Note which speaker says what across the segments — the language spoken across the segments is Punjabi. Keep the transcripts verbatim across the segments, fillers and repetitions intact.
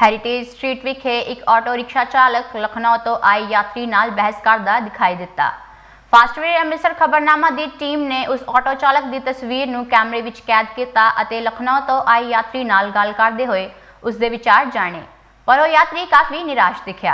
Speaker 1: ਹੈਰੀਟੇਜ ਸਟਰੀਟ ਵਿਖੇ ਇੱਕ ਆਟੋ ਰਿਕਸ਼ਾ ਚਾਲਕ ਲਖਨਊ ਤੋਂ ਆਏ ਯਾਤਰੀ ਨਾਲ ਬਹਿਸ ਕਰਦਾ ਦਿਖਾਈ ਦਿੱਤਾ। ਫਾਸਟਵੇਅ ਅੰਮ੍ਰਿਤਸਰ ਖਬਰਨਾਮਾ ਦੀ ਟੀਮ ਨੇ ਉਸ ਆਟੋ ਚਾਲਕ ਦੀ ਤਸਵੀਰ ਨੂੰ ਕੈਮਰੇ ਵਿੱਚ ਕੈਦ ਕੀਤਾ ਅਤੇ ਲਖਨਊ ਤੋਂ ਆਏ ਯਾਤਰੀ ਨਾਲ ਗੱਲ ਕਰਦੇ ਹੋਏ ਉਸ ਦੇ ਵਿਚਾਰ ਜਾਣੇ, ਪਰ ਉਹ ਯਾਤਰੀ ਕਾਫੀ ਨਿਰਾਸ਼ ਦਿਖਿਆ।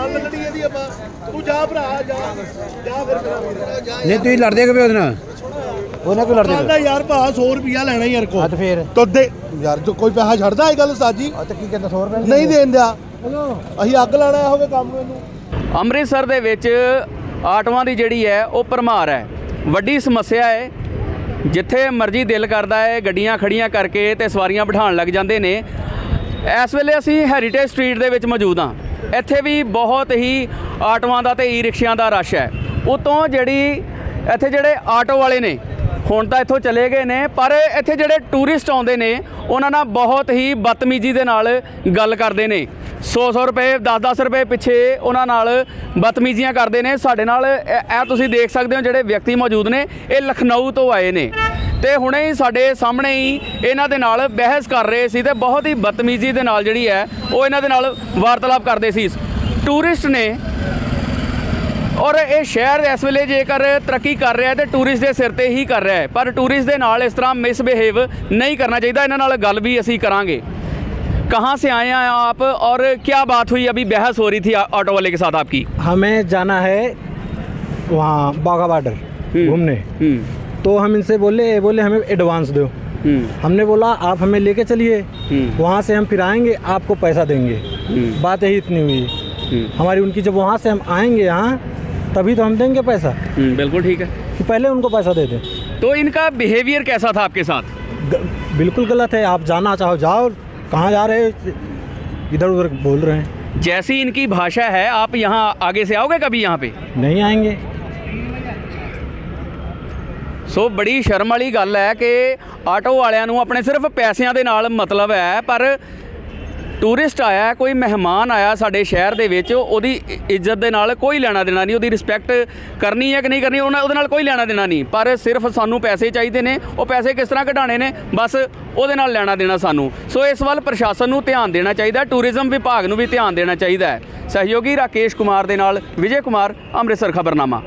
Speaker 2: नहीं तू लड़दे कि ਉਹਦੇ ਨਾਲ ਉਹਨਾਂ ਕੋ ਲੜਦੇ
Speaker 3: ਕਹਿੰਦਾ ਯਾਰ ਭਾ सौ ਰੁਪਿਆ ਲੈਣਾ ਯਾਰ ਕੋ
Speaker 2: ਹੱਥ ਫੇਰ
Speaker 3: ਤੋ ਦੇ ਯਾਰ ਜੋ ਕੋਈ ਪੈਸਾ ਛੱਡਦਾ ਇਹ ਗੱਲ ਉਸਤਾਦ ਜੀ
Speaker 2: ਆ ਤਾਂ ਕੀ ਕਹਿੰਦਾ सौ ਰੁਪਏ
Speaker 3: ਨਹੀਂ ਦੇਣ ਦਿਆ ਅਸੀਂ ਅੱਗ ਲਾਣਾ ਹੋਵੇ ਕੰਮ ਨੂੰ ਇਹਨੂੰ।
Speaker 4: ਅੰਮ੍ਰਿਤਸਰ ਦੇ ਵਿੱਚ ਆਟੋਆਂ ਦੀ ਜਿਹੜੀ ਹੈ ਉਹ ਭਰਮਾਰ ਹੈ, ਵੱਡੀ ਸਮੱਸਿਆ ਹੈ। ਜਿੱਥੇ ਮਰਜ਼ੀ ਦਿਲ ਕਰਦਾ ਹੈ ਗੱਡੀਆਂ ਖੜੀਆਂ ਕਰਕੇ ਤੇ ਸਵਾਰੀਆਂ ਬਿਠਾਉਣ ਲੱਗ ਜਾਂਦੇ ਨੇ। ਇਸ ਵੇਲੇ ਅਸੀਂ ਹੈਰੀਟੇਜ ਸਟਰੀਟ ਦੇ ਵਿੱਚ ਮੌਜੂਦ ਹਾਂ। ਇੱਥੇ ਵੀ ਬਹੁਤ ਹੀ ਆਟੋਆਂ ਦਾ ਤੇ ਈ ਰਿਕਸ਼ਿਆਂ ਦਾ ਰਸ਼ ਹੈ। ਉਤੋਂ ਜਿਹੜੀ ਇੱਥੇ ਜਿਹੜੇ ਆਟੋ ਵਾਲੇ ਨੇ ਹੁਣ ਤਾਂ ਇੱਥੋਂ ਚਲੇ ਗਏ ਨੇ, ਪਰ ਇੱਥੇ ਜਿਹੜੇ ਟੂਰਿਸਟ ਆਉਂਦੇ ਨੇ ਉਹਨਾਂ ਨਾਲ ਬਹੁਤ ਹੀ ਬਦਤਮੀਜ਼ੀ ਦੇ ਨਾਲ ਗੱਲ ਕਰਦੇ ਨੇ। ਸੌ ਸੌ ਰੁਪਏ ਦਸ ਦਸ ਰੁਪਏ ਪਿੱਛੇ ਉਹਨਾਂ ਨਾਲ ਬਦਤਮੀਜ਼ੀਆਂ ਕਰਦੇ ਨੇ। ਸਾਡੇ ਨਾਲ ਇਹ ਤੁਸੀਂ ਦੇਖ ਸਕਦੇ ਹੋ ਜਿਹੜੇ ਵਿਅਕਤੀ ਮੌਜੂਦ ਨੇ ਇਹ ਲਖਨਊ ਤੋਂ ਆਏ ਨੇ ਤੇ ਹੁਣੇ ਹੀ ਸਾਡੇ ਸਾਹਮਣੇ ਹੀ ਇਹਨਾਂ ਦੇ ਨਾਲ ਬਹਿਸ ਕਰ ਰਹੇ ਸੀ ਤੇ ਬਹੁਤ ਹੀ ਬਦਤਮੀਜ਼ੀ ਦੇ ਨਾਲ ਜਿਹੜੀ ਹੈ ਉਹ ਇਹਨਾਂ ਦੇ ਨਾਲ ਵਾਰਤਾਲਾਪ ਕਰਦੇ ਸੀ। ਟੂਰਿਸਟ ਨੇ ਔਰ ਇਹ ਸ਼ਹਿਰ ਇਸ ਵੇਲੇ ਜੇਕਰ ਤਰੱਕੀ ਕਰ ਰਿਹਾ ਤੇ ਟੂਰਿਸਟ ਦੇ ਸਿਰ ਤੇ ਹੀ ਕਰ ਰਿਹਾ ਹੈ, ਪਰ ਟੂਰਿਸਟ ਦੇ ਨਾਲ ਇਸ ਤਰ੍ਹਾਂ ਮਿਸਬਿਹੇਵ ਨਹੀਂ ਕਰਨਾ ਚਾਹੀਦਾ। ਇਹਨਾਂ ਨਾਲ ਗੱਲ भी ਅਸੀਂ ਕਰਾਂਗੇ। कहाँ से आए हैं आप और क्या बात हुई? अभी बहस हो रही थी ऑटो वाले के साथ आपकी।
Speaker 5: हमें जाना है वहाँ बाघा बॉर्डर घूमने, तो हम इनसे बोले बोले हमें एडवांस दो। हमने बोला आप हमें लेके चलिए, वहाँ से हम फिर आएंगे आपको पैसा देंगे। बात यही इतनी हुई हमारी उनकी। जब वहाँ से हम आएंगे यहाँ तभी तो हम देंगे पैसा।
Speaker 4: बिल्कुल ठीक है
Speaker 5: कि पहले उनको पैसा दे दें।
Speaker 4: तो इनका बिहेवियर कैसा था आपके साथ?
Speaker 5: बिल्कुल गलत है। आप जाना चाहो जाओ, कहाँ जा रहे इधर उधर बोल रहे हैं।
Speaker 4: जैसी इनकी भाषा है आप यहाँ आगे से आओगे कभी यहाँ पे?
Speaker 5: नहीं आएंगे।
Speaker 4: ਸੋ ਬੜੀ ਸ਼ਰਮ ਵਾਲੀ ਗੱਲ ਹੈ ਕਿ ਆਟੋ ਵਾਲਿਆਂ ਨੂੰ ਆਪਣੇ ਸਿਰਫ ਪੈਸਿਆਂ ਦੇ ਨਾਲ ਮਤਲਬ ਹੈ, ਪਰ ਟੂਰਿਸਟ ਆਇਆ, ਕੋਈ ਮਹਿਮਾਨ ਆਇਆ ਸਾਡੇ ਸ਼ਹਿਰ ਦੇ ਵਿੱਚ, ਉਹਦੀ ਇੱਜ਼ਤ ਦੇ ਨਾਲ ਕੋਈ ਲੈਣਾ ਦੇਣਾ ਨਹੀਂ, ਉਹਦੀ ਰਿਸਪੈਕਟ ਕਰਨੀ ਹੈ ਕਿ ਨਹੀਂ ਕਰਨੀ ਉਹਨਾਂ ਉਹਦੇ ਨਾਲ ਕੋਈ ਲੈਣਾ ਦੇਣਾ ਨਹੀਂ। ਪਰ ਸਿਰਫ ਸਾਨੂੰ ਪੈਸੇ ਚਾਹੀਦੇ ਨੇ, ਉਹ ਪੈਸੇ ਕਿਸ ਤਰ੍ਹਾਂ ਕਢਾਣੇ ਨੇ ਬਸ ਉਹਦੇ ਨਾਲ ਲੈਣਾ ਦੇਣਾ ਸਾਨੂੰ। ਸੋ ਇਸ ਵੱਲ ਪ੍ਰਸ਼ਾਸਨ ਨੂੰ ਧਿਆਨ ਦੇਣਾ ਚਾਹੀਦਾ, ਟੂਰਿਜ਼ਮ ਵਿਭਾਗ ਨੂੰ ਵੀ ਧਿਆਨ ਦੇਣਾ ਚਾਹੀਦਾ ਹੈ। ਸਹਿਯੋਗੀ ਰਾਕੇਸ਼ ਕੁਮਾਰ ਦੇ ਨਾਲ ਵਿਜੇ ਕੁਮਾਰ, ਅੰਮ੍ਰਿਤਸਰ ਖਬਰਨਾਮਾ।